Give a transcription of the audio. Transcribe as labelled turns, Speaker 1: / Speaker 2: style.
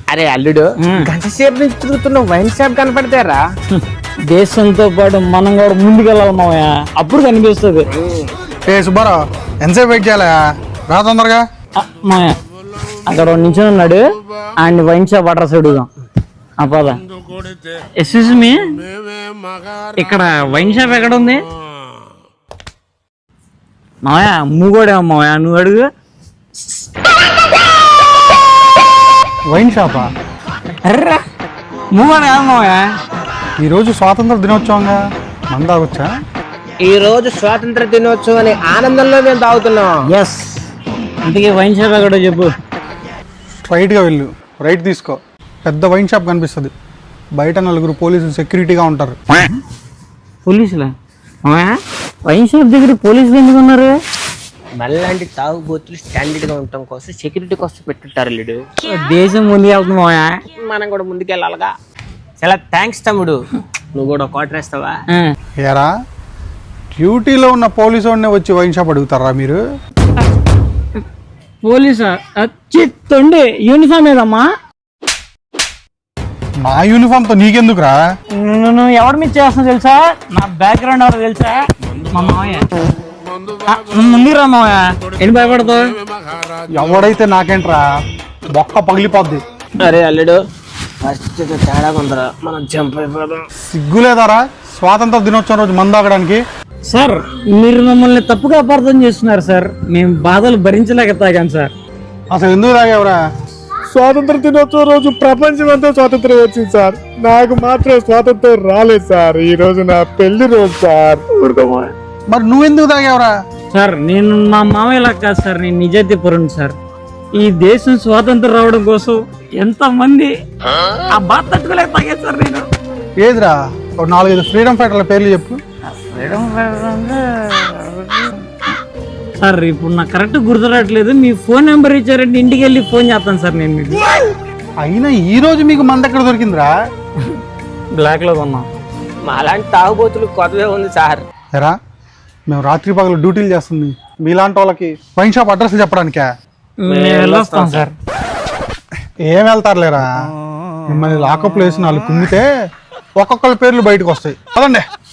Speaker 1: అరే అల్లుడు, గంట సేపు నుంచి తిరుగుతున్న వైన్ షాప్ కనపడతారా?
Speaker 2: దేశంతో పాటు మనం కూడా ముందుకెళ్ళాలి మావయ్య, అప్పుడు కనిపిస్తుంది.
Speaker 3: ఏ సుబ్బారావు, ఎంతసేపు వెయిట్ చేయాలా? రా తొందరగా.
Speaker 2: మావయ్య అక్కడ నిల్చొని ఉన్నాడు, ఆయన వైన్ షాప్ అడ్రస్ అడుగుదాం. పద. ఎక్స్క్యూజ్ మీ, ఇక్కడ వైన్ షాప్ ఎక్కడ ఉంది? మావయ్య మూగోడేమో మావయ్య, నువ్వు అడుగు.
Speaker 3: వైన్ షాపా?
Speaker 2: అర్రా మూగోడేమో మావయ్య.
Speaker 3: ఈరోజు స్వాతంత్ర దినోత్సవంగా మన తాగొచ్చా?
Speaker 1: ఈ రోజు స్వాతంత్ర దినోత్సవం అనే ఆనందంలో మేము తాగుతున్నాం.
Speaker 2: ఎస్, ఇంతకీ వైన్ షాప్ ఎక్కడో చెప్పు.
Speaker 3: స్ట్రైట్గా వెళ్ళు, రైట్ తీసుకో, పెద్ద వైన్ షాప్ కనిపిస్తుంది. బయట నలుగురు పోలీసులు సెక్యూరిటీగా ఉంటారు.
Speaker 2: పోలీసులా? వైన్ షాప్ దగ్గర పోలీసులు ఎందుకు ఉన్నారు?
Speaker 1: మళ్ళాంటి తాగుబోతులు స్టాండర్డ్ గా ఉండటం కోసం సెక్యూరిటీ కోసం పెట్టుంటారు అల్లుడు.
Speaker 2: దేశం ముందుకు వెళ్తుంది మావయ్య,
Speaker 1: మనం కూడా ముందుకెళ్ళాలిగా. చాలా థ్యాంక్స్ తమ్ముడు. నువ్వు కూడా క్వార్టర్ వేస్తావా?
Speaker 3: ఏరా, డ్యూటీలో ఉన్న పోలీసు వాడినే వచ్చి వైన్ షాప్ అడుగుతారా మీరు?
Speaker 2: పోలీసా? చిత్తండి యూనిఫామ్ ఏదమ్మా?
Speaker 3: నా యూనిఫామ్తో నీకెందుకురా?
Speaker 2: నువ్వు ఎవరి మీద చేస్తున్నా తెలుసా? నా బ్యాక్గ్రౌండ్ ఎవరో తెలుసా? మా మావయ్య. ముందురా మావయ్య, ఎన్ని భయపడతావు?
Speaker 3: ఎవడైతే నాకేంట్రా, బొక్క పగిలిపోద్ది.
Speaker 1: అరే అల్లుడు, ఫస్ట్ తేడా కొందరా, మనం జంప్ అయిపోదాం.
Speaker 3: సిగ్గులేదారా స్వాతంత్ర దినోత్సవం రోజు మందు తాగడానికి?
Speaker 2: సార్ మీరు మమ్మల్ని తప్పుగా అపార్థం చేస్తున్నారు సార్. మేము బాధలు భరించలేక తాగాం సార్.
Speaker 3: అసలు ఎందుకు తాగేవరా?
Speaker 4: స్వాతంత్ర దినోత్సవం రోజు ప్రపంచం అంతా స్వాతంత్రం వచ్చింది సార్, నాకు మాత్రం స్వాతంత్రం రాలేదు సార్. ఈ రోజు నా పెళ్లి రోజు సార్.
Speaker 3: మరి నువ్వెందుకు తాగేవరా?
Speaker 2: సార్ నేను మా మామయ్యలా కాదు సార్, నేను నిజాయితీ పరుణ్ణి సార్. ఈ దేశం స్వాతంత్రం రావడం కోసం ఎంత మంది ఆ బాధ తట్టుకోలేక తాగాను సార్ నేను.
Speaker 3: ఏదిరా, ఒక 4-5 ఫ్రీడమ్ ఫైటర్ల పేర్లు చెప్పు.
Speaker 2: సార్ ఇప్పుడు నాకు కరెక్ట్ గుర్తురావట్లేదు. మీ ఫోన్ నెంబర్ ఇచ్చారంటే ఇంటికి వెళ్ళి ఫోన్ చేస్తాను సార్ నేను మీకు.
Speaker 3: అయినా ఈ రోజు మీకు మంద ఎక్కడ దొరికిందిరా?
Speaker 2: బ్లాక్ లో కొన్నాం.
Speaker 1: మాలాంటి తాగుబోతులు కొత్తవే ఉంది సార్.
Speaker 3: ఎరా, మేము రాత్రి పగలు డ్యూటీలు చేస్తుంది మీలాంటి వాళ్ళకి వైన్ షాప్ అడ్రస్ చెప్పడానికా?
Speaker 2: వెళ్ళొస్తాం సార్.
Speaker 3: ఏం వెళ్తారులేరా, మిమ్మల్ని లాకప్ వేసి 4 కుమ్మితే ఒక్కొక్కళ్ళ పేర్లు బయటకు వస్తాయి. అదండి.